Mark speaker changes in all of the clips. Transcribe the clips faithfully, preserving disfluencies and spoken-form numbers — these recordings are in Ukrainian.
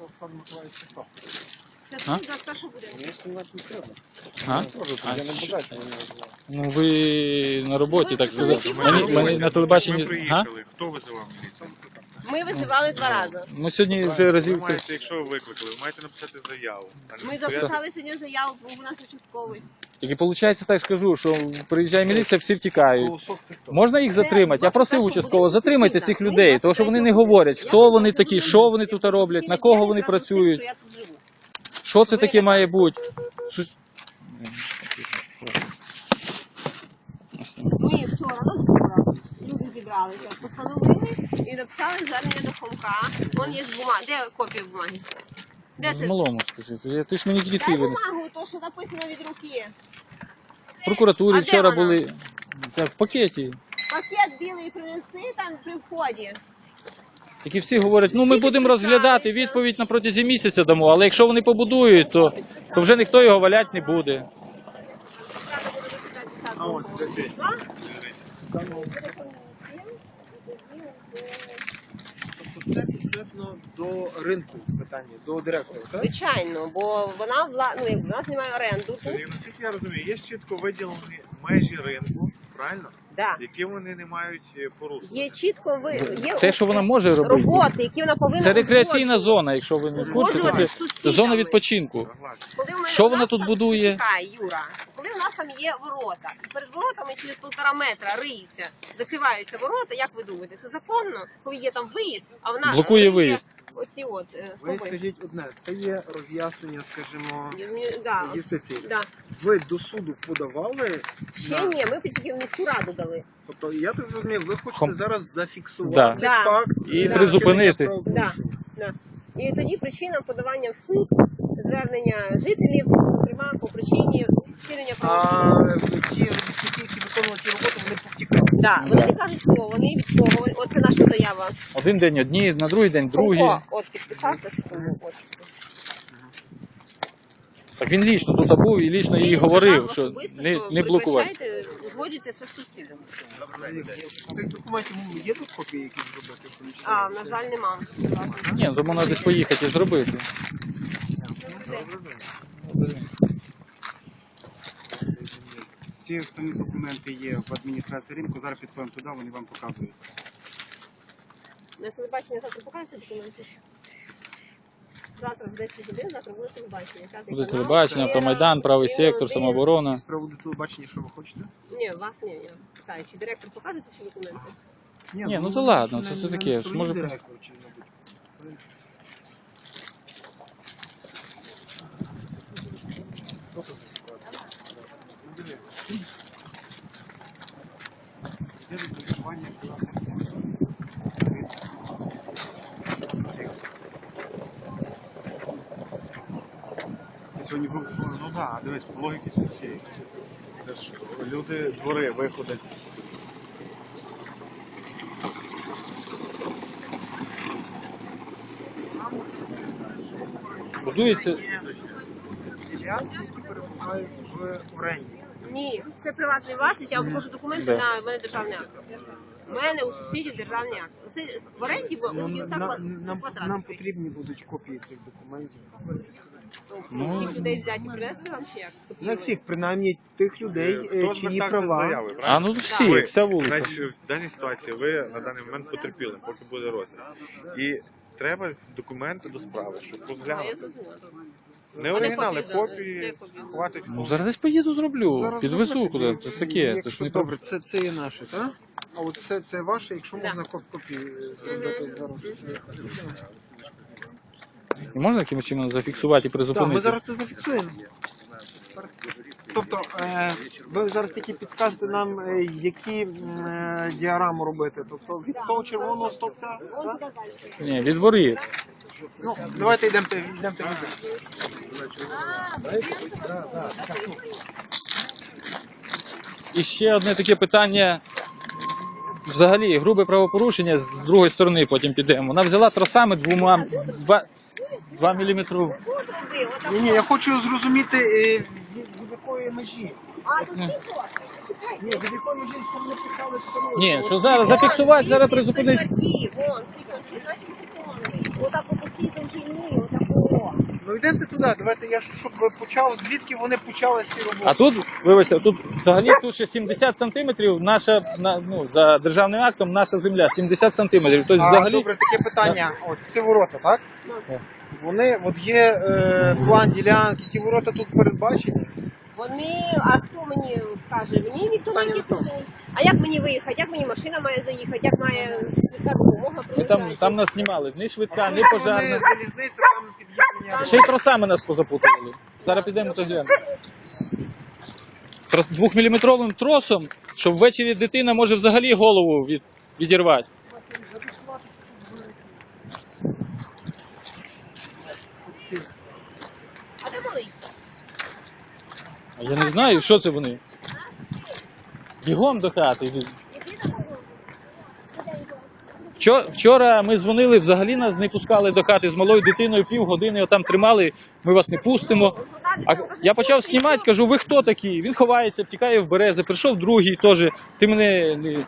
Speaker 1: Олександр Миколаївич, це хто?
Speaker 2: Це тут за те, що буде.
Speaker 1: Мені знімати не треба.
Speaker 3: А?
Speaker 1: Я не бажаю.
Speaker 3: Ну ви на роботі,
Speaker 2: Ви
Speaker 3: так сказати.
Speaker 2: представники
Speaker 3: Мені,
Speaker 2: влади.
Speaker 3: мені на телебаченні.
Speaker 4: Ми
Speaker 3: А?
Speaker 4: приїхали. Хто визивав міліцію?
Speaker 2: Ми визивали два рази.
Speaker 3: Ми сьогодні вже
Speaker 4: Ви
Speaker 3: разів.
Speaker 4: маєте, якщо ви викликали, ви маєте написати заяву. а не
Speaker 2: Ми
Speaker 4: стояти.
Speaker 2: записали сьогодні заяву, бо у нас участковий.
Speaker 3: Тільки виходить, так скажу, що приїжджає міліція, всі втікають.
Speaker 1: Голосок це хто?
Speaker 3: Можна їх
Speaker 2: Це
Speaker 3: затримати? Я просив
Speaker 2: те, що
Speaker 3: участково,
Speaker 2: буде
Speaker 3: затримайте
Speaker 2: відповідно.
Speaker 3: цих
Speaker 2: Ми
Speaker 3: людей, тому що вони не говорять, хто вони такі, що вони тут роблять, на кого вони працюють,
Speaker 2: Що я тут живу.
Speaker 3: що це таке має бути. Су-
Speaker 2: Ми вчора на зборах люди зібралися, постановили і написали звернення до Хомка. Вон є бумага. Де копія бумаги? Де
Speaker 3: З
Speaker 2: це?
Speaker 3: малому скажіть. Ти ж мені тільки
Speaker 2: Дай
Speaker 3: ці винес.
Speaker 2: бумагу, то що написано від руки.
Speaker 3: В прокуратурі
Speaker 2: А де
Speaker 3: вчора
Speaker 2: вона?
Speaker 3: були. Та в пакеті.
Speaker 2: Пакет білий принеси там при вході.
Speaker 3: Які всі говорять, ну ми
Speaker 2: Всі
Speaker 3: будемо
Speaker 2: підписалися.
Speaker 3: розглядати, відповідь на протязі місяця дамо, але якщо вони побудують, то, то вже ніхто його валяти не буде.
Speaker 1: А от, де ти? Тобто це конкретно до ринку питання, до директора, так?
Speaker 2: Звичайно, бо вона вла... ну, як вона знімає оренду тут.
Speaker 4: І наскільки я розумію, є чітко виділені межі ринку, правильно?
Speaker 2: Да.
Speaker 4: Які вони не мають е, порушувати.
Speaker 2: Є чітко ви є
Speaker 3: Те, що вона може робити,
Speaker 2: роботи, які вона повинна
Speaker 3: це рекреаційна
Speaker 2: узгоджувати.
Speaker 3: зона, якщо ви не в курсі,
Speaker 2: Узгоджувати
Speaker 3: це,
Speaker 2: з
Speaker 3: це
Speaker 2: сусідами.
Speaker 3: зона відпочинку.
Speaker 4: Согласен.
Speaker 2: Коли в мене
Speaker 3: Що
Speaker 2: у
Speaker 3: вона
Speaker 2: нас
Speaker 3: тут
Speaker 2: там-
Speaker 3: будує?
Speaker 2: Чекай, Юра. Коли у нас там є ворота, і перед воротами через півтора метра риється, закриваються ворота, як ви думаєте, це законно, коли є там виїзд, а вона
Speaker 3: Блокує
Speaker 2: риє
Speaker 3: виїзд.
Speaker 2: Оці от е,
Speaker 1: Ви
Speaker 2: стовби.
Speaker 1: скажіть одне, це є роз'яснення, скажімо,
Speaker 2: Ні, да, от,
Speaker 1: юстиції.
Speaker 2: да.
Speaker 1: Ви до суду подавали?
Speaker 2: Ще
Speaker 1: на-
Speaker 2: ні, ми тільки в міську раду дали.
Speaker 1: Тобто, я так розумію, ви хочете
Speaker 3: Хом-
Speaker 1: зараз зафіксувати
Speaker 3: Да.
Speaker 2: Да.
Speaker 1: факт
Speaker 3: І
Speaker 1: е,
Speaker 3: призупинити.
Speaker 1: вчинення
Speaker 2: Да,
Speaker 1: правопорушення.
Speaker 2: да. І тоді причина подавання в суд, звернення жителів, зокрема по причині вчинення
Speaker 1: А
Speaker 2: правопорушення.
Speaker 1: ті робітники, які виконували ті роботи, вони повтікали.
Speaker 2: Да, вони не кажуть, хто вони від кого. Вони- Оце наша заява.
Speaker 3: Один день одні, на другий день другі.
Speaker 2: О, от підписався, що тому от.
Speaker 3: Так він лічно тут був і лічно їй
Speaker 2: Він
Speaker 3: говорив,
Speaker 2: сказав
Speaker 3: що
Speaker 2: особисто,
Speaker 3: не,
Speaker 2: що
Speaker 3: не блокувати.
Speaker 2: вибачайте, узгоджуйте це з сусідами.
Speaker 1: Тих документів є тут копії, які зробити?
Speaker 2: А, на жаль, нема.
Speaker 3: Ні, то можна десь поїхати і зробити.
Speaker 5: Всі основні документи є в адміністрації ринку, зараз підходимо туди, вони вам показують.
Speaker 2: На телебачення завтра покажете документи? Завтра в десять годин, завтра буде телебачення. П'ятий
Speaker 3: Буде
Speaker 2: канал,
Speaker 3: телебачення,
Speaker 2: Віра,
Speaker 3: автомайдан, правий
Speaker 2: Віра,
Speaker 3: сектор,
Speaker 2: Віра.
Speaker 3: самооборона.
Speaker 1: З приводу телебачення, що ви хочете?
Speaker 2: Ні, вас ні, я питаю, чи директор покаже ці всі документи?
Speaker 3: Ні, ну то ладно, це-
Speaker 1: не-
Speaker 3: це
Speaker 1: не
Speaker 3: таке,
Speaker 1: на
Speaker 3: ж
Speaker 1: стороні
Speaker 3: може-
Speaker 1: директора, чи, мабуть.
Speaker 5: Є відрахування
Speaker 4: Сьогодні був, ну так, дивись, по логіки цієї. Це ж люди, двори виходять.
Speaker 3: Будується.
Speaker 1: Ділянки, які перебувають в оренді.
Speaker 2: Ні, це приватна власність, я вам покажу документи,
Speaker 3: Да.
Speaker 2: на в мене державний акт. У мене у сусідів державний акт. Це в оренді в
Speaker 1: Ну,
Speaker 2: у
Speaker 1: нам,
Speaker 2: кінця
Speaker 1: нам,
Speaker 2: квадрат.
Speaker 1: нам потрібні будуть копії цих документів.
Speaker 3: Ну,
Speaker 2: Всіх людей взяти, привезти вам чи як?
Speaker 1: Не
Speaker 2: Скопіювати?
Speaker 1: всіх, принаймні тих людей, е,
Speaker 4: Хто
Speaker 1: чиї
Speaker 4: звертався з
Speaker 1: права.
Speaker 4: заяви,
Speaker 3: А
Speaker 4: правильно?
Speaker 3: ну всі,
Speaker 4: Ви,
Speaker 3: вся вулиця.
Speaker 4: Значить, в даній ситуації ви на даний момент потерпіли, поки буде розгляд. І треба документи до справи, щоб
Speaker 2: А, я
Speaker 4: розглянути.
Speaker 2: зрозуміла.
Speaker 4: Не оригінали,
Speaker 2: копії, да,
Speaker 4: копії
Speaker 2: де копії?
Speaker 4: хватить.
Speaker 3: Ну зараз десь поїду зроблю,
Speaker 1: Зараз
Speaker 3: підвезу
Speaker 1: зробити,
Speaker 3: куди.
Speaker 1: дивіться,
Speaker 3: Це таке, це
Speaker 1: якщо-
Speaker 3: ж не
Speaker 1: Добре, це, це є наше, так? А от це, це ваше, якщо
Speaker 2: Да.
Speaker 1: можна коп- копії зробити зараз.
Speaker 3: можна якимось чином зафіксувати і
Speaker 1: Так, ми
Speaker 3: призупинити.
Speaker 1: зараз це зафіксуємо. Тобто, е, ви зараз тільки підскажете нам, е, які е, діаграму робити. Тобто від того червоного стовпця.
Speaker 2: Ось
Speaker 1: так?
Speaker 2: сюди далі.
Speaker 3: Ні, від воріт.
Speaker 1: Ну, давайте йдемо йдемо.
Speaker 2: А, будинку вас
Speaker 3: І ще одне таке питання. Взагалі, грубе правопорушення з другої сторони потім підемо. Вона взяла тросами двома, два, два міліметрів.
Speaker 2: тут роби, отак.
Speaker 1: Ні, ні, я хочу зрозуміти, е, від, від якої межі.
Speaker 2: А, тут ті кошти.
Speaker 1: Ні, від якої вже не почали встановлювати.
Speaker 3: Ні, що зараз зафіксувати, зараз призупинити.
Speaker 2: Вон, стільки, значить, виконують. Отак по всій довжині, отако.
Speaker 1: Ну йдете туди, давайте я щоб почав, звідки вони почали ці роботи.
Speaker 3: А тут, вибачте, тут взагалі тут ще сімдесят сантиметрів, наша, на- ну, за державним актом, наша земля, сімдесят сантиметрів. Тобто
Speaker 1: А,
Speaker 3: взагалі,
Speaker 1: добре, таке питання. От ці ворота, так?
Speaker 3: Так.
Speaker 1: Вони, от є е, план ділянки, ті ворота тут передбачені.
Speaker 2: Вони, а хто мені скаже? Мені ніхто не
Speaker 1: Питання не в тому.
Speaker 2: скаже. А як мені виїхати? Як мені машина має заїхати? Як має швидка допомога
Speaker 3: ми там,
Speaker 2: проїжджати?
Speaker 3: там нас знімали, ні швидка, ні
Speaker 1: Вони
Speaker 3: пожарна.
Speaker 1: залізниця, там під'єднання.
Speaker 3: Ще й тросами нас позапутували. Зараз підемо то глянемо. Трос- Двохміліметровим тросом, що ввечері дитина може взагалі голову від, відірвати.
Speaker 2: А де малий?
Speaker 3: А я не знаю, що це вони. Бігом до хати.
Speaker 2: Іди на голову.
Speaker 3: Вчора, вчора ми дзвонили, взагалі нас не пускали до хати з малою дитиною, півгодини отам тримали, ми вас не пустимо. А я почав знімати, кажу, ви хто такі? Він ховається, втікає в берези, прийшов другий теж, ти мене... не-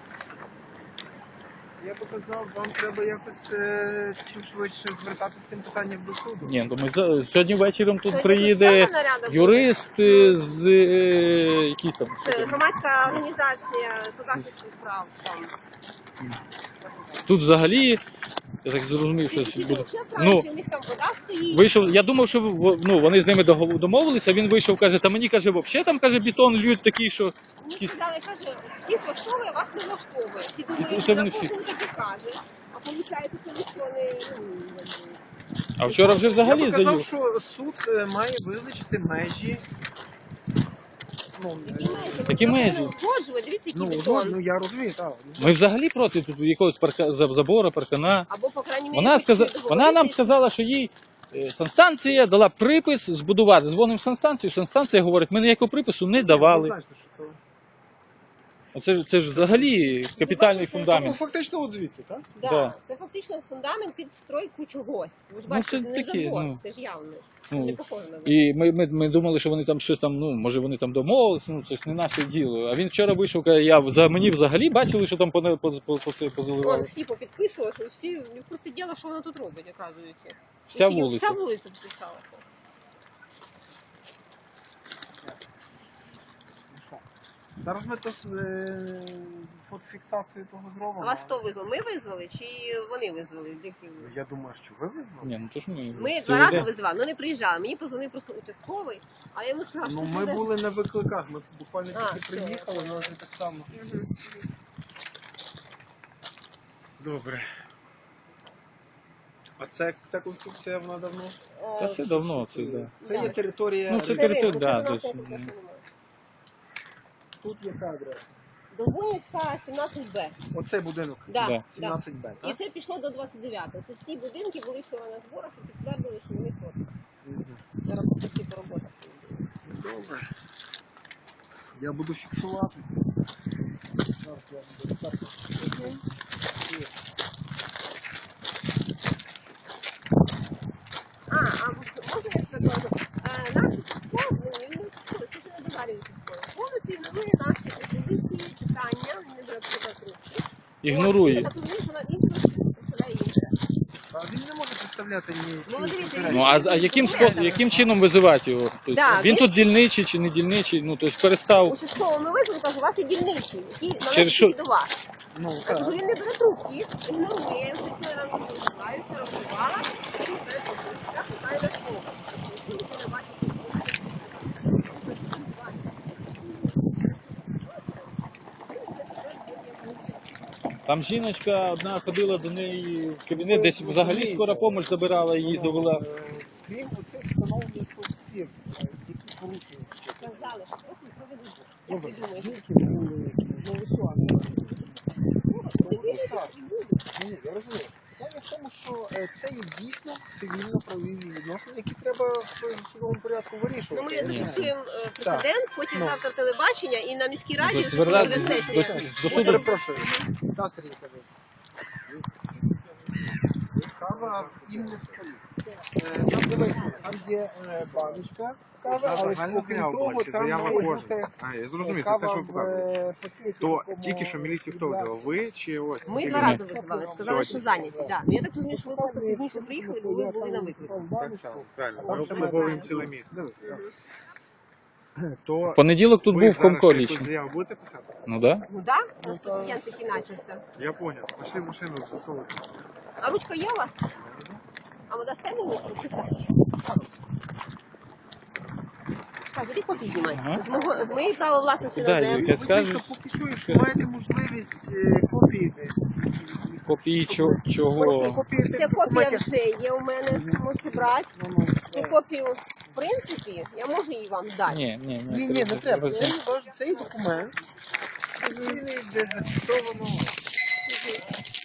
Speaker 1: Я показав, вам треба якось е, чим швидше звертатися з тим питанням до суду.
Speaker 3: Ні, ну ми за- сьогодні вечором тут
Speaker 2: Сьогодні
Speaker 3: приїде
Speaker 2: тут саме наряда буде?
Speaker 3: юрист е, з... е, які там?
Speaker 2: Це громадська організація по захисту прав. Там.
Speaker 3: Тут взагалі, я так зрозумів, що
Speaker 2: Ці
Speaker 3: буде.
Speaker 2: взагалі
Speaker 3: Ну,
Speaker 2: Франції, у них там вода стоїть.
Speaker 3: вийшов, я думав, що в- ну, вони з ними догов- домовилися, він вийшов, каже, та мені, каже, взагалі там, каже, бетон льють такий, що...
Speaker 2: Мені сказали, каже, всіх влаштовує, вас не влаштовує. Всі думають,
Speaker 3: що
Speaker 2: що
Speaker 3: вони
Speaker 2: кожен
Speaker 3: всі?
Speaker 2: таки каже. А виходить, що ніхто не... ну,
Speaker 3: А вчора вже
Speaker 1: Я
Speaker 3: взагалі
Speaker 1: показав,
Speaker 3: заїв.
Speaker 1: що суд е, має визначити межі. Ну,
Speaker 2: Які межі?
Speaker 3: Які
Speaker 2: Ми
Speaker 3: межі?
Speaker 2: повинні узгоджувати. Дивіться,
Speaker 1: ну,
Speaker 2: який
Speaker 1: ну,
Speaker 2: бетон.
Speaker 1: ну я розумію, так.
Speaker 3: Ми взагалі проти тут якогось парка, за- забора, паркана.
Speaker 2: Або, по крайній мірі,
Speaker 3: Вона, сказа...
Speaker 2: почути
Speaker 3: вона нам
Speaker 2: договоритись.
Speaker 3: сказала, що їй е, санстанція дала припис збудувати. Дзвонимо в санстанцію, санстанція говорить, ми ніякого припису не давали.
Speaker 1: Знаєте, що то-
Speaker 3: А Це, ж- це ж взагалі капітальний
Speaker 1: Ну,
Speaker 3: фундамент.
Speaker 1: фактично от звідси, так?
Speaker 2: Да,
Speaker 3: Да.
Speaker 2: це фактично фундамент під стройку чогось. Ви ж
Speaker 3: Ну,
Speaker 2: бачите,
Speaker 3: це
Speaker 2: не
Speaker 3: такі,
Speaker 2: забор,
Speaker 3: ну.
Speaker 2: це ж явно.
Speaker 3: Ну,
Speaker 2: Не похоже на забор.
Speaker 3: І ми, ми, ми думали, що вони там щось там, ну, може вони там домовилися, ну це ж не наше діло. А він вчора вийшов, каже, я за мені взагалі бачили, що там по, по, по, по,
Speaker 2: Вон
Speaker 3: позаливали.
Speaker 2: всі попідписували, що всі не просто діло, що вона тут робить, оказується.
Speaker 3: Вся
Speaker 2: Всі-
Speaker 3: вулиця.
Speaker 2: Вся вулиця підписала.
Speaker 1: Зараз ми то е, фотофіксацію того зробимо.
Speaker 2: А вас хто визвав? Ми визвали чи вони визвали? Які?
Speaker 1: Я думаю, що ви визвали.
Speaker 3: Ні, ну то ж ми.
Speaker 2: Ми
Speaker 3: цілий
Speaker 2: два рази
Speaker 3: день.
Speaker 2: визвали, але не приїжджали. Мені позвонив просто участковий, а я йому сказала, що
Speaker 1: Ну,
Speaker 2: ти
Speaker 1: ми
Speaker 2: будеш-
Speaker 1: були на викликах, ми буквально
Speaker 2: А,
Speaker 1: тільки
Speaker 2: все,
Speaker 1: приїхали,
Speaker 2: я
Speaker 1: але вже так само.
Speaker 2: Мгм.
Speaker 4: Добре.
Speaker 1: А це, ця конструкція, вона давно?
Speaker 2: Е,
Speaker 3: Та це давно, це да.
Speaker 1: Це
Speaker 2: Да.
Speaker 1: є територія.
Speaker 3: Ну, це
Speaker 2: ринок,
Speaker 3: територія,
Speaker 2: це
Speaker 3: да,
Speaker 2: у нас
Speaker 3: десь,
Speaker 2: конкурсу
Speaker 3: ну.
Speaker 2: немає.
Speaker 1: Тут яка адреса?
Speaker 2: Довбунівська, сімнадцять Б.
Speaker 1: Оцей будинок.
Speaker 3: Да.
Speaker 2: Да, да.
Speaker 1: сімнадцять Б,
Speaker 2: І
Speaker 1: так?
Speaker 2: це пішло до двадцять дев'ятого. Це всі будинки були ще на зборах і підтвердили, що вони фото.
Speaker 1: Мгм.
Speaker 2: Зараз по всі по роботах.
Speaker 1: Добре. Я буду фіксувати. Зараз я буду ставити.
Speaker 2: А, а можна я ще кажу? Е, Наші повнені, він не це ще не дозварюється школи. Повністю ігнорує наші пропозиції, питання, він не бере себе трубки.
Speaker 3: Ігнорує.
Speaker 2: Я так розумію, що він просто представляє інше.
Speaker 1: А він не може представляти ні.
Speaker 2: Ну,
Speaker 1: ні
Speaker 2: дивіться,
Speaker 1: інтересів.
Speaker 3: Ну а, а яким способом, яким чином визивати його? Тобто,
Speaker 2: Да,
Speaker 3: він
Speaker 2: він-
Speaker 3: тут дільничий чи не дільничий, ну тобто перестав.
Speaker 2: Участково ми визвали, кажу, у вас є дільничий, який
Speaker 3: Через
Speaker 2: належить
Speaker 3: що?
Speaker 2: тільки до вас.
Speaker 1: Ну,
Speaker 2: Я кажу,
Speaker 1: так.
Speaker 2: він не бере трубки, ігнорує, я ранку визиваю, вчора визивала, він не бере трубки. Я питаю до школи. Він не бачить.
Speaker 3: Там жіночка одна ходила до неї в кабінет, десь взагалі скора допомога забирала, її довела.
Speaker 1: Е, Крім оцих встановлених функцій, які порушені.
Speaker 2: Сказали, що просто не проведуть. Як
Speaker 1: Добре,
Speaker 2: ти думаєш?
Speaker 1: жінки були, ну ви що, не
Speaker 2: Ти віриш, що будуть?
Speaker 1: Ні, ні, я розумію. Питання в тому, що е, це є дійсно цивільно-правові відносини, які треба в судовому порядку
Speaker 2: Ну,
Speaker 1: вирішувати.
Speaker 2: ми зафіксуємо е, прецедент, потім
Speaker 1: Ну.
Speaker 2: завтра телебачення і на міській раді
Speaker 3: До
Speaker 2: вже буде
Speaker 3: звертати-
Speaker 2: сесія.
Speaker 3: до- до
Speaker 1: Я
Speaker 3: суду.
Speaker 1: перепрошую. Та, Сергій, кажи. кава їм не встає. Там дивися, там є е, баночка кави,
Speaker 4: Та
Speaker 1: але
Speaker 4: загальна
Speaker 1: окрім
Speaker 4: заява була,
Speaker 1: того,
Speaker 4: чи
Speaker 1: там
Speaker 4: заява
Speaker 1: має
Speaker 4: кожен?
Speaker 1: бути
Speaker 4: А, я зрозумів, це
Speaker 1: кава
Speaker 4: те, що ви
Speaker 1: в,
Speaker 4: показуєте.
Speaker 1: е, пакеті
Speaker 4: То
Speaker 1: такому
Speaker 4: тільки що міліцію хто
Speaker 1: для-
Speaker 4: визивав? Ви чи ось?
Speaker 2: Ми
Speaker 4: ці
Speaker 2: два
Speaker 4: люди?
Speaker 2: рази визивали, сказали, що зайняті. Да. Ну, я так розумію, що ви просто пізніше приїхали, бо ви були на виклику.
Speaker 4: Так само, правильно. Ми обслуговуємо ціле місто. То
Speaker 3: В понеділок тут
Speaker 4: ви
Speaker 3: був
Speaker 4: зараз
Speaker 3: Хомко
Speaker 4: ще якусь
Speaker 3: лічно.
Speaker 4: заяву будете писати?
Speaker 3: Ну так. Да.
Speaker 2: Ну так, да? Просто клієнт такий начався.
Speaker 4: Я поняв. Пошли в машину засовувати.
Speaker 2: А ручка є у вас? А ви дасте мені прочитати? Так, тоді копії знімай.
Speaker 3: Ага.
Speaker 2: З, мого, з моєї права власності
Speaker 3: Да,
Speaker 2: на землю.
Speaker 3: Юрка,
Speaker 1: Будь
Speaker 3: скажи,
Speaker 1: ласка, поки що, якщо маєте можливість е, копії десь.
Speaker 3: копії чо-
Speaker 1: Ось
Speaker 3: чого?
Speaker 1: копії
Speaker 2: Ця
Speaker 1: тих
Speaker 2: копія
Speaker 1: документів.
Speaker 2: вже є у мене, можете брати.
Speaker 1: Ну, ну,
Speaker 2: Цю
Speaker 1: так.
Speaker 2: копію, в принципі, я можу її вам дати.
Speaker 3: Ні, ні,
Speaker 1: Ні, ні, не треба. Це
Speaker 3: Це-
Speaker 1: ваш- цей документ. Офіційний, де зафіксовано.